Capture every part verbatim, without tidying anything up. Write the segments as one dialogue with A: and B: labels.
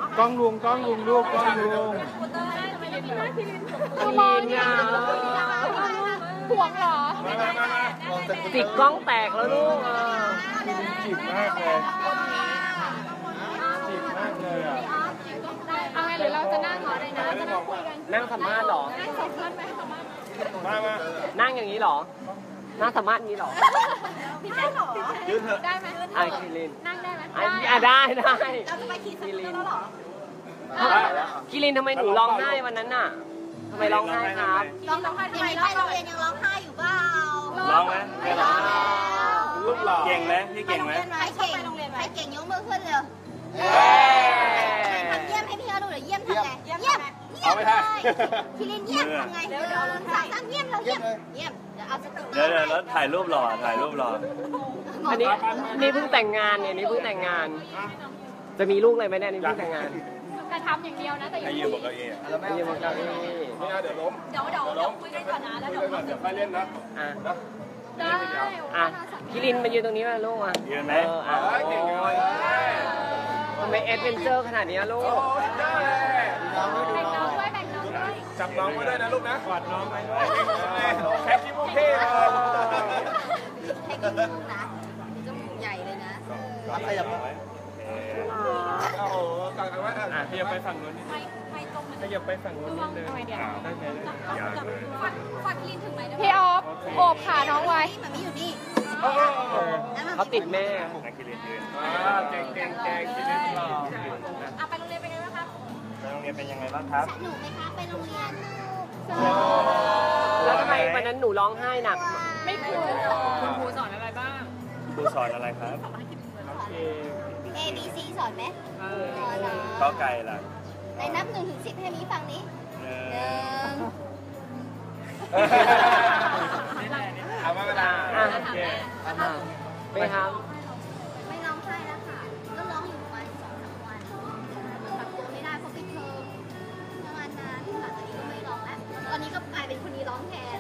A: กล้องลุงกล้องลุงลูกกล้องลุง
B: คือมองเนี่ยห่วงเหรอติดกล้องแตกแล้วลูก
A: จีบมากเลยจีบมากเลยอ่ะ
B: เอาไงหรือเราจะนั่งขออะไรนะจะนั่งคุยกัน
C: นั่งสัมภาษณ์หรอ
B: นั่งสัมภาษณ์ไหมสัมภาษณ์
A: มามา
C: นั่งอย่างนี้หรอนั่งสัมภาษณ์นี้หรอ
B: พี่แจ๊คหรอ
A: ยืนเถอะ
B: ได้ไหม
C: ไอคิริน
B: นั่งได้ไหม
C: อ่ะได้ได้
B: เราจะไปขี่สกูตเตอร์แล้วหรอ
C: คิรินทำไมหนูร้องไห้วันนั้นน่ะทำไมร้องไห้ครับ
B: ร้องร้องไห้ทำไมไปโรงเรียนยังร้องไห้อยู่เปล่า
A: ร้องไหมไม่ร้องลูกหล่อเก่งไหมพี่เก่งไหม
B: ใครเก่งใครเก่งยกมือขึ้นเร็วทำเยี่ยมให้พี่เขาดูหน่อยเยี่ยมทำไงเยี่ยมเยี่ยมเลยคิรินเยี่ยมทำไงเดี๋ยวเดี๋ยวสามสามเยี่ยมเราเยี่ยมเยี่ยมเดี๋ยวเอาสกูตเตอร์
A: เดี๋ยวเดี๋ยวแล้วถ่ายรูปหล่อถ่ายรูปหล่อ
C: อันนี้นี่เพิ่งแต่งงานเนี่ยนี่เพิ่งแต่งงานจะมีลูกเลยไหมเนี่ยนี่เพิ่งแต่งงาน
B: กระทำอย่างเดียวนะแต่ยัง
A: ไม่ยืมบอกเก้าอี้
C: ไม่ยืมบอกเก้าอี้
A: ไม่เอาเดี๋ยวล้ม
B: เดี๋ยวเดี๋ยวเดี๋ยวคุยกันก่อนนะแล้วเดี๋ยว
A: เดี๋ยวค่อยเล่นนะ
C: อ่ะ
B: ได้
C: อ่ะคิรินมายืนตรงนี้มาลูกอ่ะ
A: ยืนไหม
C: อ่ะทำไมแอดเวนเจอร์ขนาดนี้ลูก
B: แบ่งน้องด้วยแบ่งน้องด้วย
A: จับน้องไว้ด้วยนะลูกนะกอดน้องไว้ด้วยแค่คิโมเท่
B: แค่กินมุกนะจมูกใหญ่เลยนะ
A: ขยับไว้โอ้โหกอดกันไว้อ่ะขยับไปฝั่งนู้นขยับไปฝั่งนู้นนิดนึงได้ไหม
B: ฝากคิรินถึงไหมพี่ออฟโอบขาน้องไว้มันไม่อยู่นี่
C: เขาติดแม่
A: คิรินยืนเก่งเก่งเก่งคิรินหล่อ
B: อ่ะไปโรงเรียนเป็นไงบ้างครับ
A: ไปโรงเรียนเป็นยังไงบ้างครับ
B: สนุกไหมคะไปโรงเรียน
C: แล้วทำไมวันนั้นหนูร้องไห้หนัก
B: ไม่ครูคุณครูสอนอะไรบ้าง
A: ครูสอนอะไรครับ
B: A B C สอนไหม
A: ข้อไก่ล่ะ
B: ในนับหนึ่งถึงสิบให้มีฟังนี้หนึ่ง
A: เอามาเวลา
C: ไปครับ
B: ไม่ร้องไห้แล้วค่ะก็ร้องอยู่ประมาณสองสามวันปรับตัวไม่ได้เพราะปิดเทอมประมาณนั้นหลังจากนี้ก็ไม่ร้องแล้วตอนนี้ก็กลายเป็นคนนี้ร้องแทน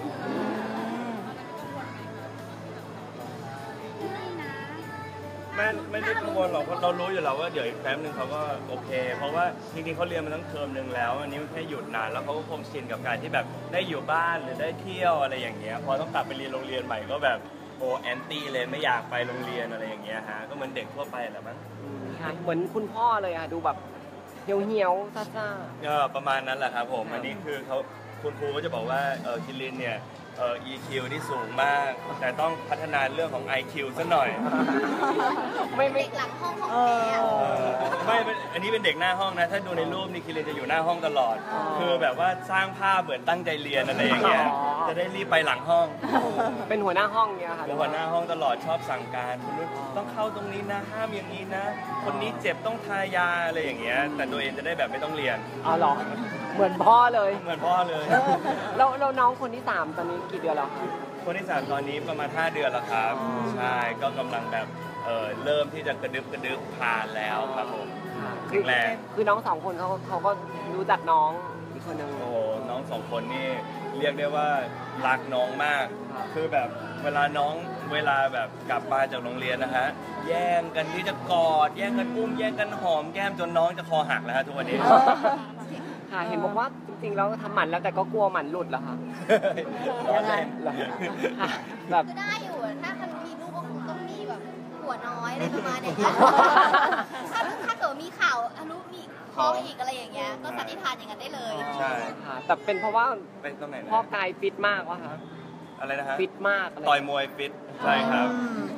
A: ไม่ไม่ได้กังวลหรอกเพราะเรารู้อยู่แล้วว่าเดี๋ยวอีกแป๊บนึงเขาก็โอเคเพราะว่าจริงๆเขาเรียนมาตั้งเทอมนึงแล้วอันนี้มันแค่หยุดนานแล้วเขาก็คงชินกับการที่แบบได้อยู่บ้านหรือได้เที่ยวอะไรอย่างเงี้ยพอต้องกลับไปเรียนโรงเรียนใหม่ก็แบบโอ้แอนตี้เลยไม่อยากไปโรงเรียนอะไรอย่างเงี้ยฮะก็เหมือนเด็กทั่วไปแหละมั้ง
C: เหมือนคุณพ่อเลยอะดูแบบเหี่ยวเหี่ยวซ่าซ่า
A: ก็ประมาณนั้นแหละครับผมอันนี้คือเขาคุณครูก็จะบอกว่าเออคิรินเนี่ยเอ่อ อี คิว ที่สูงมากแต่ต้องพัฒนาเรื่องของ ไอ คิว ซะหน่อย
B: ไม่ไม่หลังห้องของแม่
A: ไม่อันนี้เป็นเด็กหน้าห้องนะถ้าดูในรูปนี่คิรินจะอยู่หน้าห้องตลอดคือแบบว่าสร้างภาพเหมือนตั้งใจเรียนอะไรอย่างเงี้ยจะได้รีบไปหลังห้อง
C: เป็นหัวหน้าห้องเนี่ยค่ะ
A: เป็นหัวหน้าห้องตลอดชอบสั่งการคุณนุชต้องเข้าตรงนี้นะห้ามอย่างนี้นะคนนี้เจ็บต้องทายาอะไรอย่างเงี้ยแต่ตัวเองจะได้แบบไม่ต้องเรียน
C: อ๋อหรอเหมือนพ่อเลย
A: เหมือนพ่อเลย
C: แล้วแล้วน้องคนที่สามตอนนี้กี่เดือนแล้วครับ
A: คนที่สามตอนนี้ประมาณห้าเดือนแล้วครับใช่ก็กำลังแบบเออเริ่มที่จะกระดึบกระดึบผ่านแล้วครับผม
C: คือแรกคือน้องสองคนเขาเขาก็รู้จักน้องอีกคนนึง
A: โอ้น้องสองคนนี่เรียกได้ว่ารักน้องมากคือแบบเวลาน้องเวลาแบบกลับมาจากโรงเรียนนะฮะแย่งกันที่จะกอดแย่งกันอุ้มแย่งกันหอมแก้มจนน้องจะคอหักแล้วฮะทุกวันนี้
C: ค่ะเห็นบอกว่าจริงๆแล้วทำหมันแล้วแต่ก็กลัวหมันหลุดเหรอคะ
A: ยังไง
C: แบบ
B: ได้อยู่ถ้าคันมีลูกก็คงต้องมีแบบหัวน้อยอะไรประมาณนี้ถ้าถ้าเกิดมีข่าวอนุมีท้องอีกอะไรอย่างเงี้ยก็สันนิษฐานอย่างนั้นได้เลย
A: ใช่
C: ค่ะแต่เป็นเพราะว่า
A: เป็นตรงไหน
C: พ่อกายฟิตมากวะคะ
A: อะไรนะฮะ
C: ฟิตมาก
A: ต่อยมวยฟิตใช่ครับ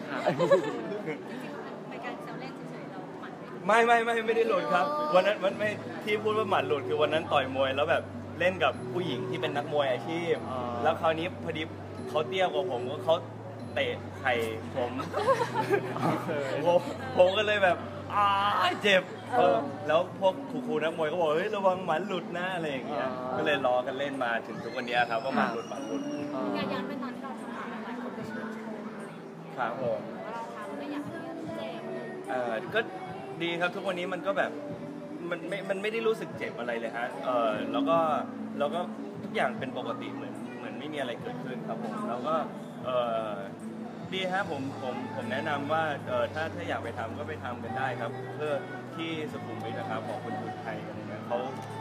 A: ไม่ไม่ไม่ไม่ได้หลุดครับวันนั้นมันไม่ที่พูดว่าหมัดหลุดคือวันนั้นต่อยมวยแล้วแบบเล่นกับผู้หญิงที่เป็นนักมวยอาชีพแล้วคราวนี้พอดีเขาเตี้ยกว่าผมก็เขาเตะไข่ผมผมผมก็เลยแบบอ้าเจ็บแล้วพวกครูๆนักมวยก็บอกเฮ้ยระวังหมัดหลุดนะอะไรอย่างเงี้ยก็เลยล้อกันเล่นมาถึงทุกวันนี้ครับว่าหมัดหลุดหมัดหลุด
B: การย้อนไปตอนที่เราทำหมันหลายคนก็ชื่นชม
A: ครับผม
B: เราทำไม่อยากให้เจ็บ
A: เออก็ดีครับทุกวันนี้มันก็แบบมันไม่มันไม่ได้รู้สึกเจ็บอะไรเลยฮะเออแล้วก็แล้วก็ทุกอย่างเป็นปกติเหมือนเหมือนไม่มีอะไรเกิดขึ้นครับผมแล้วก็เออดีฮะผมผมผมแนะนำว่าเออถ้าถ้าอยากไปทำก็ไปทำกันได้ครับเพื่อที่สุขุมวิทนะครับของคุณทุนไท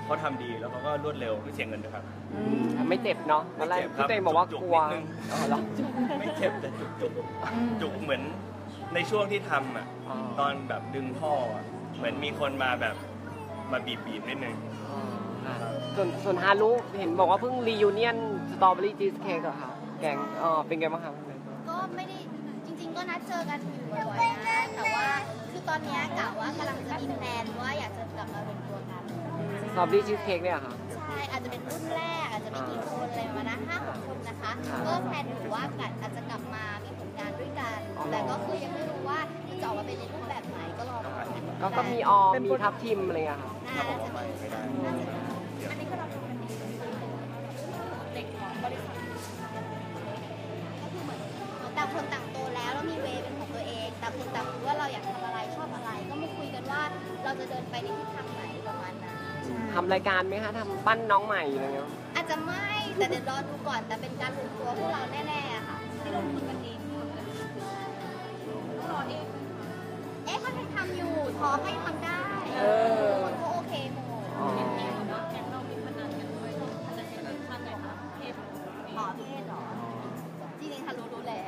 A: เขาทำดีแล้วเขาก็รวดเร็วไม่เสียเงินด้วยครับ
C: ไม่เจ็บเนาะตอนแรกพี่ตัวเองบอกว่ากลัว
A: จุกๆนิดนึง
C: อ๋อเหรอ
A: ไม่เจ็บแต่จุกจุกจุกเหมือนในช่วงที่ทำอ่ะ
C: อ๋อ
A: ตอนแบบดึงท่ออ่ะเหมือนมีคนมาแบบมาบีบบีบนิดนึง
C: ค่ะส่วนส่วนฮารุเห็นบอกว่าเพิ่งรียูเนียนสตรอเบอรี่ชีสเค้กเหรอคะแกงอ๋อเป็นไงบ้างคะ
B: ก็ไม่ได้จริง ๆ ก็นัดเจอกันอยู่บ่อยๆนะแต่ว่าคือตอนเนี้ยกะว่ากำลังจะมีแพลนว่าอยากจะกลับมารวมตัวกัน
C: สตรอเบอรี่ชีสเค้กเนี่ยเหรอค่ะ
B: ใช่อาจจะเป็นรุ่นแรกอาจจะไม่กี่คนอะไรประมาณนั้นห้าหกคนนะคะ ก็แพลนอยู่ว่าอาจจะกลับมามีผลงานด้วยกัน แต่ก็คือยังไม่รู้ว่าจะออกมาเป็นในรูปแบบไหนก็รอดูกัน
C: ก็ก็มีออมมีทับทิมอะไรเงี้ยค่ะ
B: น่าจะมีน่าจะมีอันนี้ก็เราดูกันดีเด็กของบริษัทก็คือเหมือนต่างคนต่างโตแล้วแล้วมีเวย์เป็นของตัวเองต่างคนต่างรู้ว่าเราอยากทำอะไรชอบอะไร ก็มาคุยกันว่าเราจะเดินไปในทิศทางไหนประมาณนั้น
C: ทำรายการไหมคะทำปั้นน้องใหม่อะไรเงี้ย
B: อาจจะไม่แต่เดี๋ยวรอดูก่อนแต่เป็นการรวมตัวพวกเราแน่ๆอะค่ะที่ลงทุนกันเองรอเองเอ๊ะเขาทำอยู่ท้องให้ทำได้คนก็โอเคหมด
C: อ๋อ
B: แกงเรามีพนันกันด้วยพนันกันท่านไหนคะเพศหมอเพศหรอจริงๆทะลุรู้แล้ว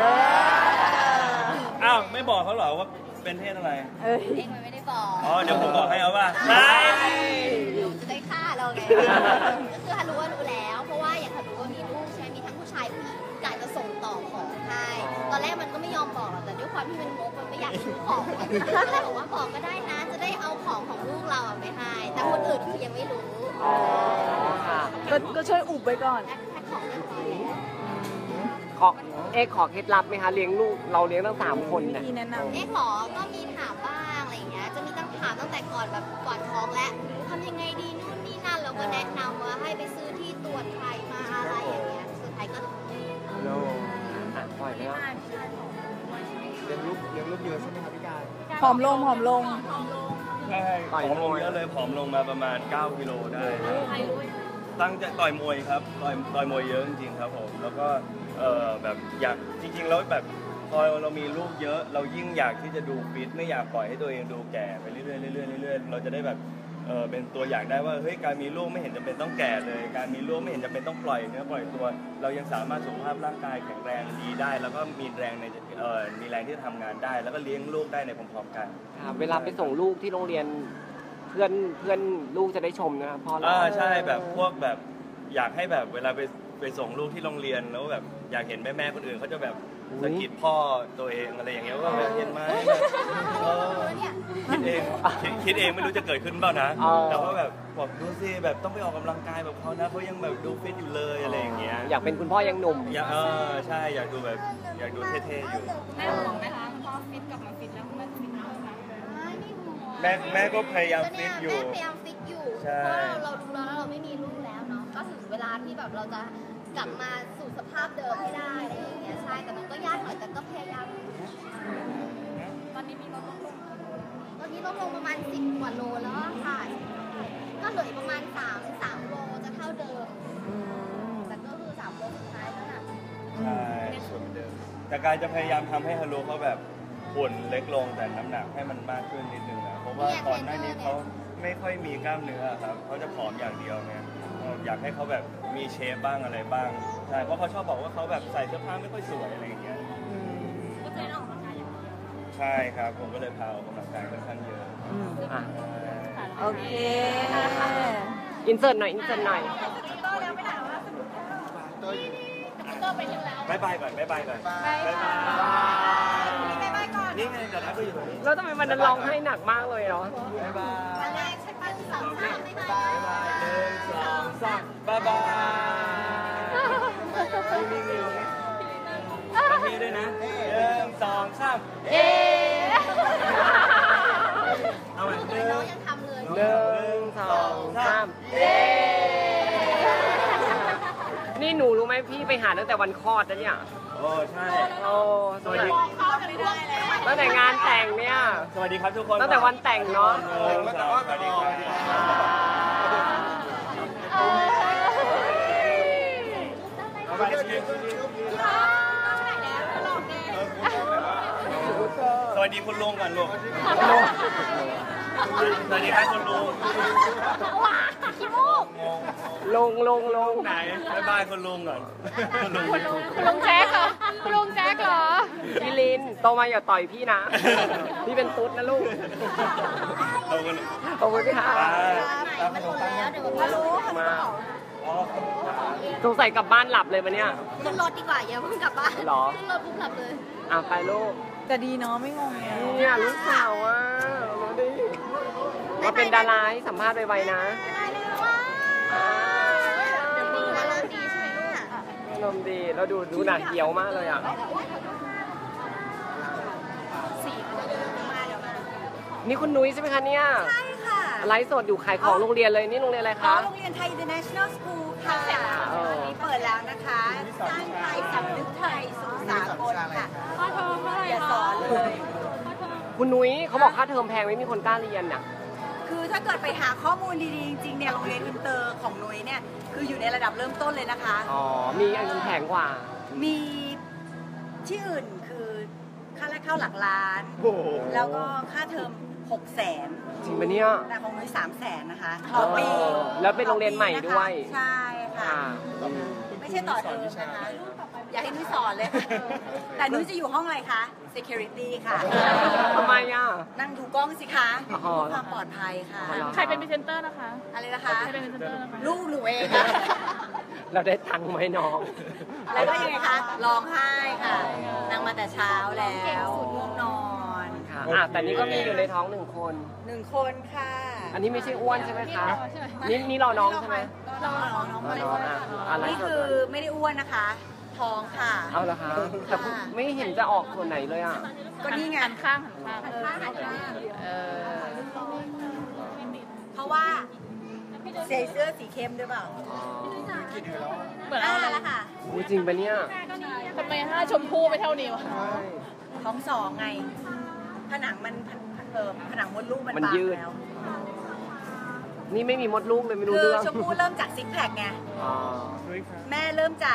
A: อ้าวไม่บอกเขาเหรอว่าเป็นเพศอะไร
B: เองมันไม่ได้บอก
A: อ๋อเดี๋ยวผมบอกให้เอาป่ะใช่
B: จะได้ฆ่าเราไงก็คือฮารุว่ารู้แล้ว เพราะว่าอย่างฮารุว่ามีลูกใช่ไหมมีทั้งผู้ชายผู้หญิงกะจะส่งต่อของให้ตอนแรกมันก็ไม่ยอมบอกแต่ด้วยความที่มันงกมันไม่อยากซื้อของก็เลยบอกว่าบอกก็ได้นะ จะได้เอาของของลูกเราไปให้แต่คนอื่นคือยังไม่รู้
C: อ๋อค่ะ
D: ก็ก็ช่วยอุบไว้ก่อน
B: แพ็คของเรียบร้อยแล้ว
C: ขอเอ๊ะขอเคล็ดลับไหมคะเลี้ยงลูกเราเลี้ยงตั้งสามคนเนี่ย
D: มีแนะนำ
B: เอ๊ะหรอก็มีถามบ้างอะไรอย่างเงี้ยจะมีตั้งถามตั้งแต่ก่อนแบบก่อนท้องและทำยังไงดีนู่นนี่นั่นเราก็แนะนำว่าให้ไปซื้อที่ตรวจไข่มาอะไรอย่างเงี้ยสุดท้ายก็
C: โลอ่ะปล่อยไปแล้ว
E: เลี้ยงลูกเลี้ยงลูกเยอะใช่ไหมครับพี่การ
D: ผอมลงผอมลง
A: ใช่ผอมลงเยอะเลยผอมลงมาประมาณเก้ากิโลได้ตั้งใจต่อยมวยครับต่อยต่อยมวยเยอะจริงๆครับผมแล้วก็เออแบบอยากจริงๆแล้วแบบพอเรามีลูกเยอะ เรายิ่งอยากที่จะดูฟิตไม่อยากปล่อยให้ตัวเองดูแก่ไปเรื่อยๆเรื่อยๆเรื่อยๆเราจะได้แบบเออเป็นตัวอย่างได้ว่าเฮ้ยการมีลูกไม่เห็นจำเป็นต้องแก่เลย การมีลูกไม่เห็นจำเป็นต้องปล่อยเนื้อปล่อยตัว เรายังสามารถสุขภาพร่างกายแข็งแรงดีได้ แล้วก็มีแรงในเออมีแรงที่จะทำงานได้ แล้วก็เลี้ยงลูกได้ในพร้อมๆกัน
C: ค่ะเวลาไปส่งลูกที่โรงเรียนเพื่อนเพื่อนลูกจะได้ชมนะครับพ่อเรา
A: อ่าใช่แบบพวกแบบอยากให้แบบเวลาไปไปส่งลูกที่โรงเรียนแล้วแบบอยากเห็นแม่แม่ๆคนอื่นเขาจะแบบสะกิดพ่อตัวเองอะไรอย่างเงี้ยว่าแบบเห็นไหมแบบเออคิดเองคิดคิดเองไม่รู้จะเกิดขึ้นเปล่านะ แต่ว่าแบบบอกดูสิแบบต้องไปออกกำลังกายแบบเขานะเขายังแบบดูฟิตอยู่เลยอะไรอย่างเงี้ย
C: อยากเป็นคุณพ่อยังหนุ่ม
A: อยากเออใช่อยากดูแบบอยากดูเท่ๆอยู่
B: แม่ห่วงไหมคะพอฟิตกลับมาฟิตแล้วมันฟิตมากไหมไม่ห่วง
A: แม่แม่ก็พยายามฟิตอยู่
B: แม่พยายามฟิตอยู่
A: ใช่
B: เพราะเราดูแล้วเราไม่มีลูกแล้วเนาะก็ถึงเวลาที่แบบเราจะกลับมาสู่สภาพเดิมให้ได้อะไรอย่างเงี้ยใช่แต่มันก็ยากหน่อยแต่ก็พยายามตอนนี้มีลดลงตอนนี้ลดลงประมาณสิบกว่าโลแล้วอะค่ะก็เหลืออีกประมาณสามสามโลจะเท่าเดิมแต่ก็คือสามโลสุดท้ายแล้วน่ะ
A: ใช่ส่วนเดิมแต่การจะพยายามทำให้ฮารุเขาแบบหุ่นเล็กลงแต่น้ำหนักให้มันมากขึ้นนิดนึงนะเพราะว่าก่อนหน้านี้เขาไม่ค่อยมีกล้ามเนื้อครับเขาจะผอมอย่างเดียวเนี่ยอยากให้เขาแบบมีเชฟบ้างอะไรบ้างใช่เพราะเขาชอบบอกว่าเขาแบบใส่เสื้อผ้าไม่ค่อยสวยอะไรอย่างเงี้ย
B: ก็จะได้ออกกำลังกายอย่างเดียว
A: ใช่ครับผมก็เลยพาออกกำลังกายค่อนข้างเยอะ
C: อ่ะ
D: โอเค
C: อินเสิร์ตหน่อย อินเสิร์ตหน่อย
B: ก็แล้วไม่ได้ว่าสนุกก็ไปเที่ยวแล้ว
A: บายบายก่อนบายบายก่อน
B: บายบาย
A: บายบาย
B: บายบายก่อน
A: นี่ไงเดี๋ยวนะก็อยู่ตรงนี้
C: แล้วทำไมวันนั้นร้องให้หนักมากเลยเนาะ
A: บายบาย
B: อันแรกใช่ปะสองสามไม่บาย
A: บายหนึ่งสองสามบายบายมีมีมีมาทีด้วยนะหนึ่งสองสาม
B: เอ๊
A: เอาใหม่หนึ่
B: น้อง งยังทำเลย
C: หนึ่งสองสามนี่หนูรู้ไหมพี่ไปหาตั้งแต่วันคลอดนะเนี่ย
A: โอ้ใช่
C: โอ้สวัสดี
B: เข้ากันไม่ได้แล้ว
C: ตั้งแต่งานแต่งเนี่ย
A: สวัสดีครับทุกคน
C: ตั้งแต่วันแต่งเนาะ
A: หนึ่งสองสวัสดีครับเอาไปชิมสวัสดีคุณลุงก่อนลูกสวัสดีครับคุณลุง
B: ลูก
C: ลงลงลง
A: ไหนไปบ้านคุณลุงก่อนคุณลุง
B: คุณลุงคุณลุงแจ๊กเหรอคุณลุงแจ๊กเหรอ
C: พี่ลินโตมาอย่าต่อยพี่นะ พี่เป็นตุ๊ดนะลูก
A: ขอบคุณ
C: ขอบคุณค่ะ
B: มันหมดแล้วเดี๋ยวมารู้
C: มาสงสัยกลับบ้านหลับเลยวันเนี้ย
B: ขึ้นรถดีกว่าอย่าเพิ่งกลับบ้าน
C: หรอ
B: ขึ้นรถปุ๊บหลับเลย
C: อ่ะไปลูก
D: แต่ดีเนาะไม่งงไง
C: เนี่ยลูกสาวอ่ะมาดิมาเป็นดาราให้สัมภาษณ์ไวๆนะ
B: เดี๋ยวมีอารมณ์ดีใช่ไหมลูก
C: อารมณ์ดีแล้วดูดูหนาเกียวมากเลยอ่ะ
B: สี่คนเดี๋ยวมาเดี๋ยวมา
C: นี่คุณนุ้ยใช่ไหมคะเนี่ย
F: ใช่ค่ะ
C: ไลฟ์สดอยู่ขายของโรงเรียนเลยนี่โรงเรียนอะไร
F: อ๋อ
C: คะ
F: โรงเรียนไทย International School ค่ะ
C: เออ
F: วันนี้เปิดแล้วนะคะสร้างไทยสำนึกไทยสู่สากลค่ะอย่าสอนเลย
C: คุณนุ้ยเขาบอกค่าเทอมแพงไม่มีคนกล้าเรียนน่ะ
F: คือถ้าเกิดไปหาข้อมูลดีๆ จริงๆเนี่ยโรงเรียนอินเตอร์ของนุ้ยเนี่ยคืออยู่ในระดับเริ่มต้นเลยนะคะ
C: อ๋อ มีอันนึงแพงกว่า
F: มีที่อื่นคือค่าแรกเข้าหลักล้าน
A: โอ้โห
F: แล้วก็ค่าเทอมหกแสน
C: จริงปะเนี่ย
F: แต่ของนุ้ยสามแสนนะคะ
C: อ๋อแล้วเป็นโรงเรียนใหม่ด้วย
F: ใช่ค่ะ
C: ค่ะ
F: ไม่ใช่ต่อเทอมนะคะ อย่าให้นุ้ยสอนเลย แต่นุ้ยจะอยู่ห้องอะไรคะ security ค่ะ
C: ทำไมอ่ะ
F: นั่งดูกล้องสิคะ
C: อ๋อ
F: เพื่อความปลอดภัยค่ะ
C: อ๋อเหรอ
D: ใครเป็นพรีเซนเตอร์นะคะ
F: อะไรนะคะ
D: ใครเป็นพรีเซนเตอร์นะคะ
F: ลูกหนูเองค่ะ
C: เราได้ตังค์ไหมน้อง
F: แล้วก็ยังไงคะร้องไห้ค่ะนั่งมาแต่เช้าแล้วง่วงนอน
C: ค่ะอ่ะแต่นี่ก็มีอยู่ในท้องหนึ่งคน
F: หนึ่งคนค่ะ
C: อันนี้ไม่ใช่อ้วนใช่ไหมคะ นี่นี่รอน้องใช่ไหม
F: รอน้องน้อง
C: รอ
F: มา
C: น้องอ่ะอะไร
F: นี่คือไม่ได้อ้วนนะคะ ท้องค่ะ
C: เอาละคะแต่ไม่เห็นจะออกส่วนไหนเลยอ่ะ
F: ก็นี่ไง
D: หันข้างหันข้าง
F: เออหันข้าง
C: เออ
F: เพราะว่าใส่เสื้อสีเข้มด้วยเปล่า
C: อ๋อ
D: เหมือน
F: อ่า
D: เอา
F: แล้วค่ะ
C: อุ๊ยจริงปะเนี่ย
D: ทำไมห้าชมพู่ไปเท่านี้วะ
F: ท้องสองไง ผนังมันเออผนังมดลูกมัน
C: มัน
F: บาง
C: ยืด
F: แล้ว
C: นี่ไม่มีมดลูกเลยไม่รู้
F: คือ
C: เรื่อง
F: ชมพู่เริ่มจากซิกแพคไง
C: อ๋อ
F: แม่เริ่มจาก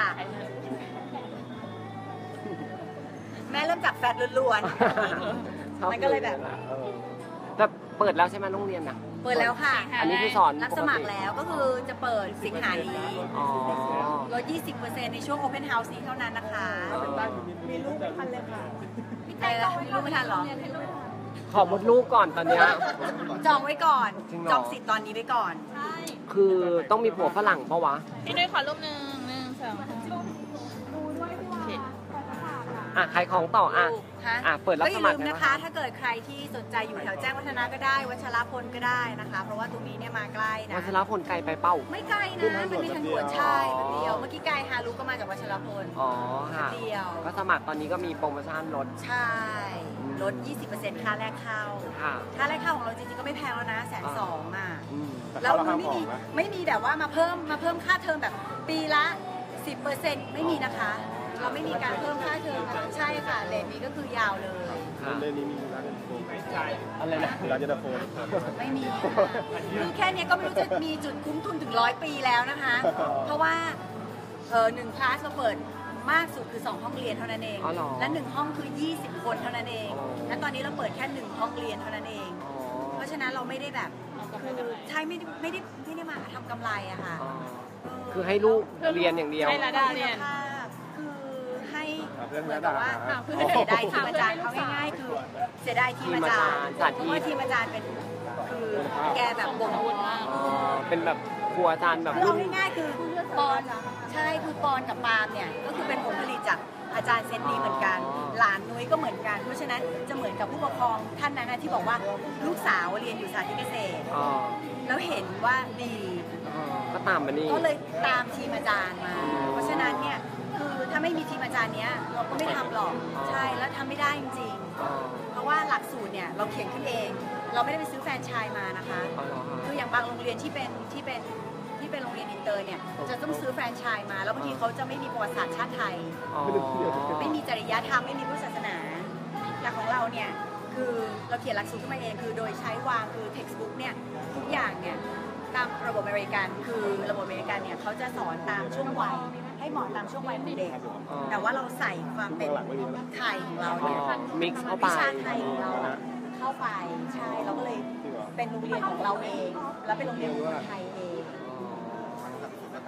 F: แม่เริ่มจากแฟตล้วน
C: ชอบ
F: มันก็เลยแบบ
C: ออแต่เปิดแล้วใช่ไหมโรงเรียนอ่ะ
F: ๆ เปิดแล้วค่ะ
C: อันนี้คือสอน
F: รับสมัครแล้วก็คือจะเปิดสิงหานี้
C: อ๋อ
F: ลด ยี่สิบเปอร์เซ็นต์ ในช่วง Open House นี้เท่านั้นนะคะ
D: มีลูกไม่ทันเลยค่ะ
F: อะไรนะมีลูกไม่ทันเหรอ
C: ขอมดลูกก่อนตอนเนี้ย
F: จองไว้ก่อน
C: จริงเหรอ
F: จองสิทธิ์ตอนนี้ไว้ก่อน
C: คือต้องมีผัวฝรั่งปะวะ
D: พี่นุ้ยขอรูปหนึ่งหนึ่งสองโอเค
C: อ่ะขายของต่ออ่ะ
F: ลูกฮะ
C: อ่ะเปิดรับ
F: ก็อย่า
C: สมัค
F: ลื
C: ร
F: ม
C: ได้
F: นะ
C: ปะ
F: คะ ถ้าเกิดใครที่สนใจอยู่แถวแจ้งวัฒนะก็ได้ วัชรพลก็ได้นะคะ เพราะว่าตรงนี้เนี่ยมาใกล้นะ
C: วัชรพลไกลไปเป้า
F: ไม่ไกลนะ มันมีทางด่วนใช่แป๊บเดียว เมื่อกี้กายฮารุก็มาจากวัชรพล
C: อ๋อค่ะ
F: เดียว
C: ก็สมัครตอนนี้ก็มีโปรโมชั่นลด
F: ใช่ ลด ยี่สิบเปอร์เซ็นต์ ค่าแรกเข้า
C: ค่ะ
F: ค่าแรกเข้าของเราจริงๆ ก็ไม่แพงแล้วนะแสนสองอ่ะ
C: อืม
F: แล้วมันไม่มีไม่มีแบบว่ามาเพิ่มมาเพิ่มค่าเทอมแบบปีละ สิบเปอร์เซ็นต์ ไม่มีนะคะ เราไม่มีการเพิ่มค่าเทอมใช่ค่ะเลนนี้ก็คือยาวเลย
C: ค่ะ
E: เรื่องนี้มีร้านเย็นตาโฟไหม
C: อะไรนะ
E: ร้านเย็นตาโฟ
F: ไม่มีคือแค่เนี้ยก็ไม่รู้จะมีจุดคุ้มทุนถึงร้อยปีแล้วนะคะ เพราะว่าเออหนึ่งคลาสเราเปิดมากสุดคือสองห้องเรียนเท่านั้นเอง
C: อ๋อเหรอ
F: และหนึ่งห้องคือยี่สิบคนเท่านั้นเอง
C: อ๋อ
F: และตอนนี้เราเปิดแค่หนึ่งห้องเรียนเท่านั้นเอง
C: อ๋อ
F: เพราะฉะนั้นเราไม่ได้แบบคือใช่ไม่ได้ไม่ได้ไม่ได้มาทำกำไรอะค่ะ
C: อ๋อ
F: เออ
C: คือให้ลูกเรียนอย่างเดียว
D: ให้ระดับเรียน
F: คือให้
E: เรื่อง
F: เหมื
E: ระ
F: อน
E: ดั
F: กั
E: บบ
F: ว่า
E: เพื่อ
F: คือเสียดายทีมอาจารย์เขาง่ายๆคือเสียดายทีมอาจารย์
C: ทีมอาจารย์
F: เพราะว่าทีมอาจารย์เป็นคือแกแบบบ่ง
C: อ๋อ เป็นแบบครัวอาจารย์แบบ
F: คือ
C: รุ่
F: เอา
C: น
F: ง่ายๆคือปอนใช่คือปอนกับปาล์มเนี่ยก็คือเป็นผลผลิตจากอาจารย์เซนดีเหมือนกัน หลานนุ้ยก็เหมือนกัน เพราะฉะนั้นจะเหมือนกับผู้ปกครองท่านนั้นนะที่บอกว่าลูกสาวเรียนอยู่สาธิตเกษตร
C: อ๋อ
F: แล้วเห็นว่าดี
C: อ๋อก็ตามมานี่
F: ก็เลยตามทีมอาจารย์มา เพราะฉะนั้นเนี่ยคือถ้าไม่มีทีมอาจารย์เนี้ยเราก็ไม่ทำหรอกใช่แล้วทำไม่ได้จริง
C: อ๋อ
F: ๆ เพราะว่าหลักสูตรเนี่ยเราเขียนขึ้นเอง เราไม่ได้ไปซื้อแฟรนไชส์มานะคะ
C: อ๋อเหรอคะ
F: คืออย่างบางโรงเรียนที่เป็นที่เป็นที่เป็นโรงเรียนอินเตอร์เนี่ยจะต้องซื้อแฟรนไชส์มาแล้วบางทีเขาจะไม่มีประวัติศาสตร์ชาติไทย
C: อ๋อ
F: ไม่มีจริยธรรมไม่มีพุทธศาสนาแต่ของเราเนี่ยคือเราเขียนหลักสูตรขึ้นมาเองคือโดยใช้วางคือ textbook เนี่ยทุกอย่างเนี่ยตามระบบอเมริกันคือระบบอเมริกันเนี่ยเขาจะสอนตามช่วงวัยให้เหมาะตามช่วงวัยของเด็ก
C: อ๋อ
F: แต่ว่าเราใส่ความเป็นไทยของเราเนี่ย
C: มิกซ์เข้าไป
F: วิชาไทยของเราอะเข้าไปใช่เราก็เลยเป็นโรงเรียนของเราเอง แล้วเป็นโรงเรียนของคนไทยเอง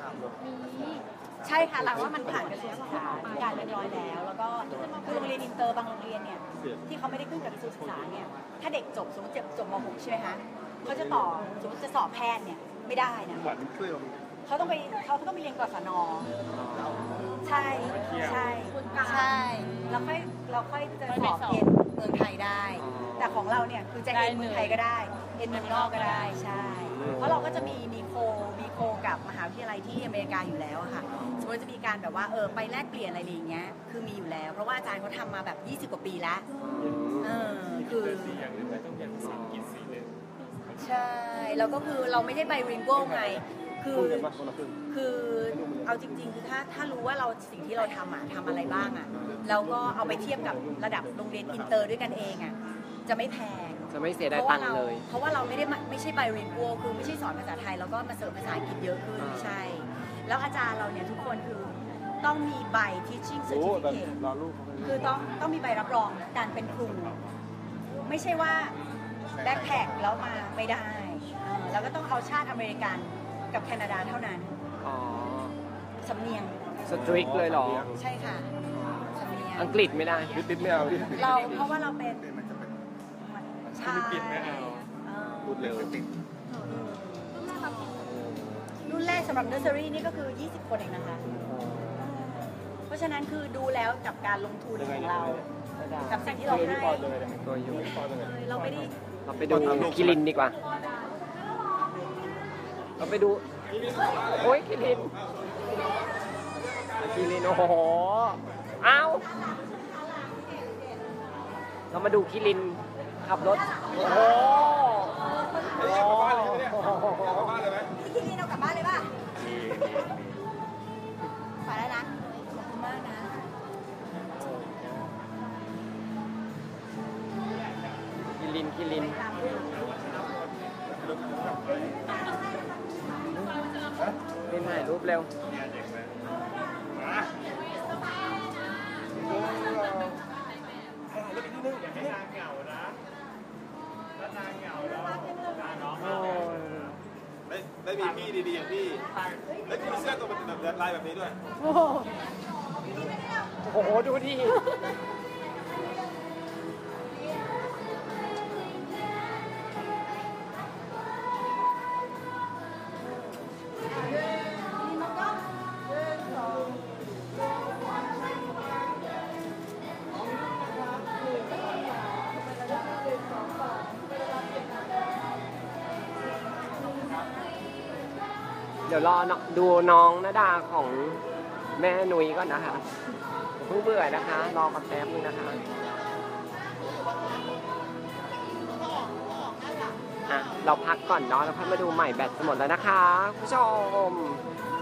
F: ใช่ค่ะหลังว่ามันผ่านกระทรวงศึกษาการเรียบร้อยแล้ว แล้วก็คือโรงเรียนอินเตอร์บางโรงเรียนเนี่ยที่เขาไม่ได้ขึ้นกับกระทรวงศึกษาเนี่ยถ้าเด็กจบสมมติจบม .หก ใช่ไหมคะเขาจะต่อสมมติจะสอบแพทย์เนี่ยไม่ได้นะเขาต้องไปเขาต้องไปเรียนกศนใช่ใช่ใช่เราค่อยเราค่อยจะสอบเอ็นเมืองไทยได้ แต่ของเราเนี่ยคือจะเอ็นเมืองไทยก็ได้เอ็นเมืองนอกก็ได้ใช่เพราะเราก็จะมีมีโคมีโคกับมหาวิทยาลัยที่อเมริกาอยู่แล้วอะค่ะสมมติจะมีการแบบว่าเออไปแลกเปลี่ยนอะไรอย่างเงี้ยคือมีอยู่แล้ว เพราะว่าอาจารย์เขาทำมาแบบยี่สิบกว่าปีแล้วเออคือใช่แล้วก็คือเราไม่ได้ไบริงโก้ไงคือคือเอาจริงๆคือถ้าถ้ารู้ว่าเราสิ่งที่เราทำอะทำอะไรบ้างอะแล้วก็เอาไปเทียบกับระดับโรงเรียนอินเตอร์ด้วยกันเองอะจะไม่แพง
C: จะไม่เสียดายตังค์เลย
F: เพราะว่าเราไม่ได้ไม่ใช่ไบริงโก้คือไม่ใช่สอนภาษาไทยแล้วก็มาเสริมภาษาอังกฤษเยอะขึ้นไม่ใช่ แล้วอาจารย์เราเนี่ยทุกคนคือต้องมีใบ teaching certificate คือต้องต้องมีใบรับรองการเป็นครูไม่ใช่ว่าแบ็คแพคแล้วมาไม่ได้แล้วก็ต้องเอาชาติอเมริกันกับแคนาดาเท่านั้น
C: อ๋อ
F: สำเนียง
C: สตริกเลยเหรอ
F: ใช่ค่ะสำเนียง
C: อังกฤษไม่ได้
E: นิดไม่เอาดิ
F: เราเพราะว่าเราเป็นใช่
E: ฟิลิปปินส์ไม่เอา
F: เออ
E: พูดเร็ว
F: รุ่นแรกสำหรับเนอร์เซอรี่นี่ก็คือ ยี่สิบ คนเองนะคะ เพราะฉะนั้นคือดูแล้วกับการลงทุนของเรา กับสิ่งที่เราให้
C: ตัวอยู่
F: เราไม่ได้
C: เราไปดูคิรินดีกว่า เราไปดู โอ้ยคิรินคิรินโอ้โหอ้าวเรามาดูคิรินขับรถ โอ้โห
E: กลับบ้านเลยไหมเนี่ยกลับบ้านเลยไหม
F: พี่คิดนี่เรากลับบ้านเลยป่ะไปแล้วนะ ขอบคุณมากนะ
C: คิรินคิรินเป็นถ่ายรูปเร็ว
E: ได้ได้มีพี่ดีๆอย่างพี่แล้วพี่มีเสื้อตัวแบบลายแบบนี้ด้วย
C: โอ้โหโอ้โห ดูดิ เดี๋ยวรอดูน้องณดาของแม่นุ้ยก่อนนะคะเพิ่งเบื่อนะคะ รอกันแป๊บนึงนะคะอ่ะเราพักก่อนเนาะแล้วค่อยมาดูใหม่แบตจะหมดแล้วนะคะผู้ชม